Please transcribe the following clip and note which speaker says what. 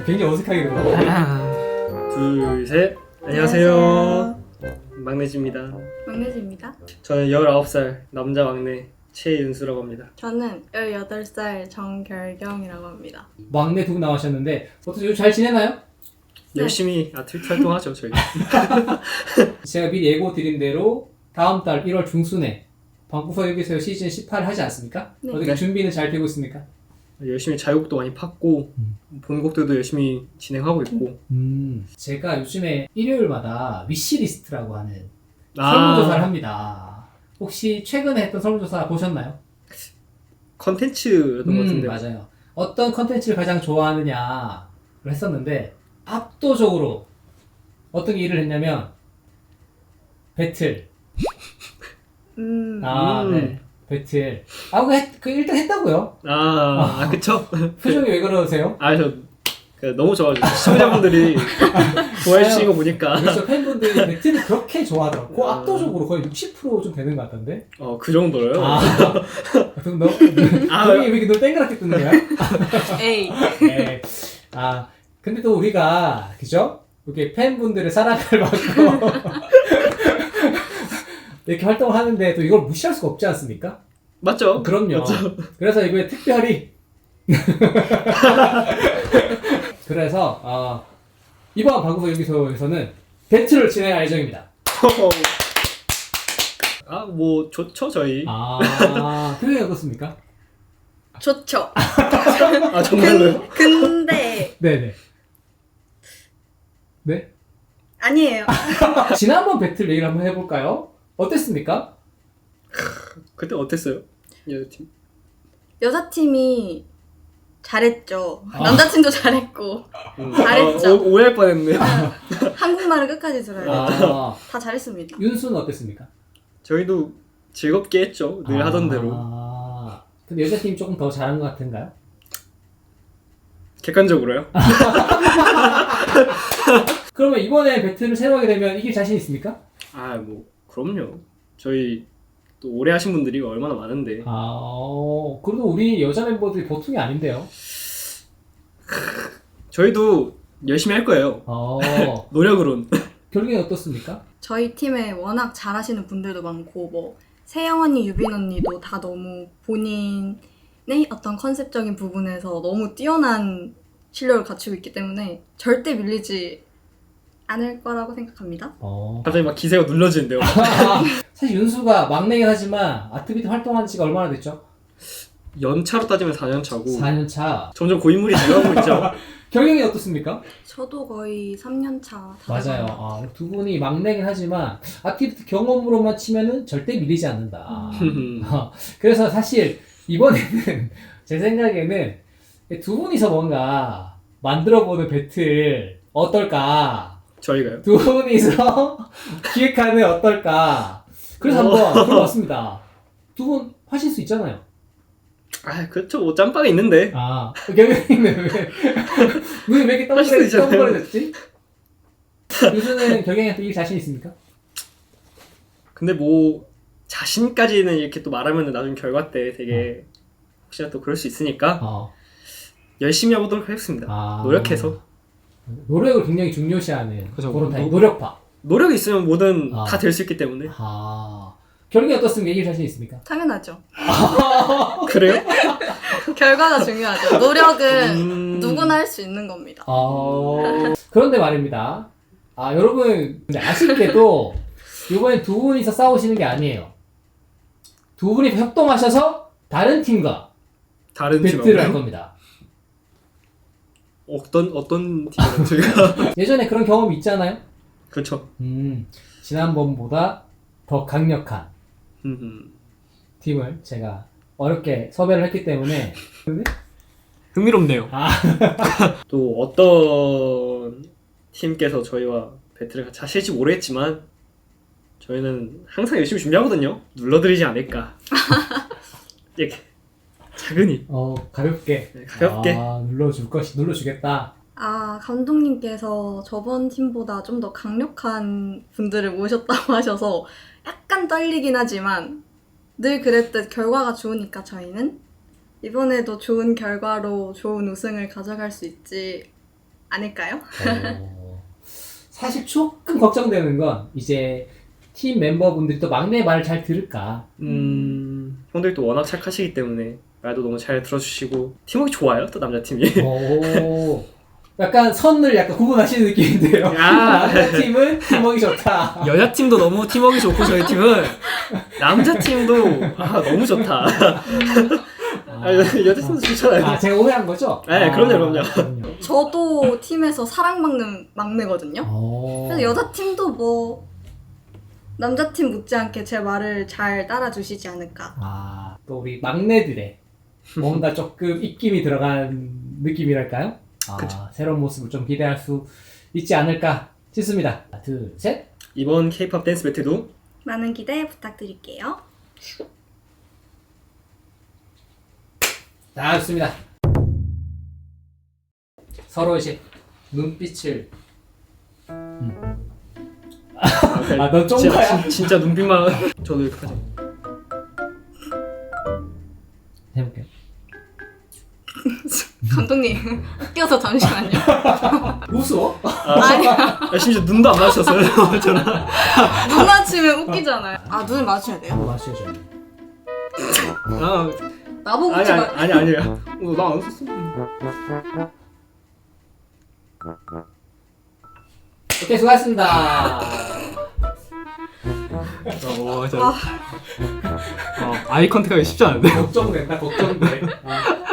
Speaker 1: 굉장히 어색하게 되고.
Speaker 2: 하나, 둘, 셋. 안녕하세요. 막내지입니다.
Speaker 3: 막내지입니다.
Speaker 2: 저는 19살 남자 막내 최윤수라고 합니다.
Speaker 3: 저는 18살 정결경이라고 합니다.
Speaker 1: 막내 두 분 나오셨는데 어떠세요? 잘 지내나요?
Speaker 3: 네.
Speaker 2: 열심히 아트비티 활동하죠, 저희.
Speaker 1: 제가 미리 예고 드린 대로 다음 달 1월 중순에 방구석 여기서 시즌 18 하지 않습니까?
Speaker 3: 네.
Speaker 1: 어떻게
Speaker 2: 네.
Speaker 1: 준비는 잘 되고 있습니까?
Speaker 2: 열심히 자유곡도 많이 팠고 본곡들도 열심히 진행하고 있고.
Speaker 1: 제가 요즘에 일요일마다 위시리스트라고 하는 설문조사를 합니다. 혹시 최근에 했던 설문조사 보셨나요?
Speaker 2: 컨텐츠였던 것 같은데.
Speaker 1: 맞아요. 어떤 컨텐츠를 가장 좋아하느냐를 했었는데 압도적으로 어떤 일을 했냐면 배틀. 네. 배틀. 그 1등 했다고요?
Speaker 2: 그쵸?
Speaker 1: 표정이 왜 그러세요?
Speaker 2: 너무 좋아가지고 시청자분들이 좋아해 주시는 거 보니까.
Speaker 1: 그래서 팬분들이 배틀을 그렇게 좋아하더라고. 압도적으로 거의 60%좀 되는 것 같던데.
Speaker 2: 그 정도로요?
Speaker 1: 그럼 왜 이렇게 너 땡그랗게 뜨는 거야?
Speaker 3: 에이.
Speaker 1: 네. 근데 또 우리가 그죠? 이렇게 팬분들의 사랑을 받고 이렇게 활동을 하는데 또 이걸 무시할 수가 없지 않습니까?
Speaker 2: 맞죠?
Speaker 1: 그럼요.
Speaker 2: 맞죠?
Speaker 1: 그래서 이번에 특별히 그래서 이번 방구석 여기서에서는 배틀을 진행할 예정입니다.
Speaker 2: 뭐 좋죠, 저희.
Speaker 1: 표정이 어떻습니까?
Speaker 3: 좋죠.
Speaker 2: 정말로요?
Speaker 3: 근데
Speaker 1: 네네. 네?
Speaker 3: 아니에요.
Speaker 1: 지난번 배틀 얘기를 한번 해볼까요? 어땠습니까?
Speaker 2: 그때 어땠어요? 여자팀?
Speaker 3: 여자팀이 잘했죠. 남자팀도 잘했고 잘했죠.
Speaker 2: 오해할 뻔했네.
Speaker 3: 한국말을 끝까지 들어요. 다 잘했습니다.
Speaker 1: 윤수는 어땠습니까?
Speaker 2: 저희도 즐겁게 했죠. 늘 하던 대로.
Speaker 1: 근데 여자팀이 조금 더 잘한 것 같은가요?
Speaker 2: 객관적으로요?
Speaker 1: 그러면 이번에 배틀을 새로 하게 되면 이길 자신 있습니까?
Speaker 2: 뭐 그럼요. 저희 또 오래 하신 분들이 얼마나 많은데.
Speaker 1: 그래도 우리 여자 멤버들이 보통이 아닌데요?
Speaker 2: 저희도 열심히 할 거예요. 노력으론.
Speaker 1: 결국엔 어떻습니까?
Speaker 3: 저희 팀에 워낙 잘하시는 분들도 많고 뭐 세영 언니, 유빈 언니도 다 너무 본인의 어떤 컨셉적인 부분에서 너무 뛰어난 실력을 갖추고 있기 때문에 절대 밀리지 않을 거라고 생각합니다.
Speaker 2: 갑자기 막 기세가 눌러지는데요.
Speaker 1: 사실 윤수가 막내긴 하지만 아트비트 활동한 지가 얼마나 됐죠?
Speaker 2: 연차로 따지면 4년 차고
Speaker 1: 4년 차.
Speaker 2: 점점 고인물이 되어가고 있죠.
Speaker 1: 경영이 어떻습니까?
Speaker 3: 저도 거의 3년 차.
Speaker 1: 맞아요. 두 분이 막내긴 하지만 아티비트 경험으로만 치면은 절대 밀리지 않는다. 그래서 사실 이번에는 제 생각에는 두 분이서 뭔가 만들어보는 배틀 어떨까?
Speaker 2: 저희가요?
Speaker 1: 두 분이서 기획하는 어떨까? 그래서 한번 들어봤습니다. 두 분 하실 수 있잖아요.
Speaker 2: 그렇죠. 뭐 짬밥이 있는데.
Speaker 1: 경영이는 왜 이렇게
Speaker 2: 할 수도 있잖아요.
Speaker 1: 떡벌해졌지? 요즘은 경영이한테 이길 자신 있습니까?
Speaker 2: 근데 뭐 자신까지는 이렇게 또 말하면 나중에 결과 때 되게 혹시나 또 그럴 수 있으니까 열심히 해보도록 하겠습니다. 노력해서.
Speaker 1: 노력을 굉장히 중요시하는
Speaker 2: 그렇죠.
Speaker 1: 그런 타입. 노력파.
Speaker 2: 노력이 있으면 뭐든 다 될 수 있기 때문에.
Speaker 1: 결국에 어떻습니까? 이길 자신 있습니까?
Speaker 3: 당연하죠.
Speaker 2: 그래요?
Speaker 3: 결과가 중요하죠. 노력은 누구나 할 수 있는 겁니다.
Speaker 1: 그런데 말입니다. 여러분, 근데 아쉽게도 이번엔 두 분이서 싸우시는 게 아니에요. 두 분이 협동하셔서 다른 팀과 배틀을 할 겁니다.
Speaker 2: 어떤 팀이랑 저희가?
Speaker 1: 예전에 그런 경험이 있잖아요?
Speaker 2: 그렇죠.
Speaker 1: 지난번보다 더 강력한 팀을 제가 어렵게 섭외를 했기 때문에.
Speaker 2: 흥미롭네요. 또 어떤 팀께서 저희와 배틀을 같이 하실지 모르겠지만 저희는 항상 열심히 준비하거든요. 눌러드리지 않을까. 이렇게 차근히
Speaker 1: 가볍게.
Speaker 2: 네, 가볍게
Speaker 1: 눌러주겠다.
Speaker 3: 감독님께서 저번 팀보다 좀 더 강력한 분들을 모셨다고 하셔서 약간 떨리긴 하지만 늘 그랬듯 결과가 좋으니까 저희는 이번에도 좋은 결과로 좋은 우승을 가져갈 수 있지 않을까요?
Speaker 1: 사실 조금 걱정되는 건 이제 팀 멤버분들이 또 막내 말을 잘 들을까.
Speaker 2: 형들이 또 워낙 착하시기 때문에 말도 너무 잘 들어주시고 팀워크 좋아요 또 남자팀이.
Speaker 1: 오, 약간 선을 약간 구분하시는 느낌인데요. 남자 팀은 팀워크 좋다.
Speaker 2: 여자팀도 너무 팀워크 좋고 저희 팀은 남자팀도 너무 좋다. 여자팀도 좋잖아요.
Speaker 1: 제가 오해한 거죠?
Speaker 2: 네, 그럼요.
Speaker 3: 저도 팀에서 사랑받는 막내거든요. 그래서 여자팀도 뭐 남자팀 못지않게 제 말을 잘 따라주시지 않을까.
Speaker 1: 또 우리 막내들의 뭔가 조금 입김이 들어간 느낌이랄까요? 새로운 모습을 좀 기대할 수 있지 않을까 싶습니다. 하나, 둘, 셋.
Speaker 2: 이번 K-POP 댄스 배틀도
Speaker 3: 많은 기대 부탁드릴게요.
Speaker 1: 좋습니다. 서로 이제 눈빛을 넌 쫑가야?
Speaker 2: 진짜 눈빛만 저도 이렇게 하죠.
Speaker 1: 해볼게요.
Speaker 3: 감독님 웃겨서 잠시만요.
Speaker 1: 웃어?
Speaker 3: 아니야.
Speaker 2: 심지어 눈도 안 마주쳤어요. 저는.
Speaker 3: 눈 맞추면 웃기잖아요. 눈을 마주쳐야 돼요?
Speaker 1: 마셔줘.
Speaker 3: 나보고 웃지 마.
Speaker 2: 아니야. 나 안 웃었어.
Speaker 1: 오케이, 수고하셨습니다.
Speaker 2: 아이 컨택하기 쉽지 않은데.
Speaker 1: 걱정된다, 걱정돼.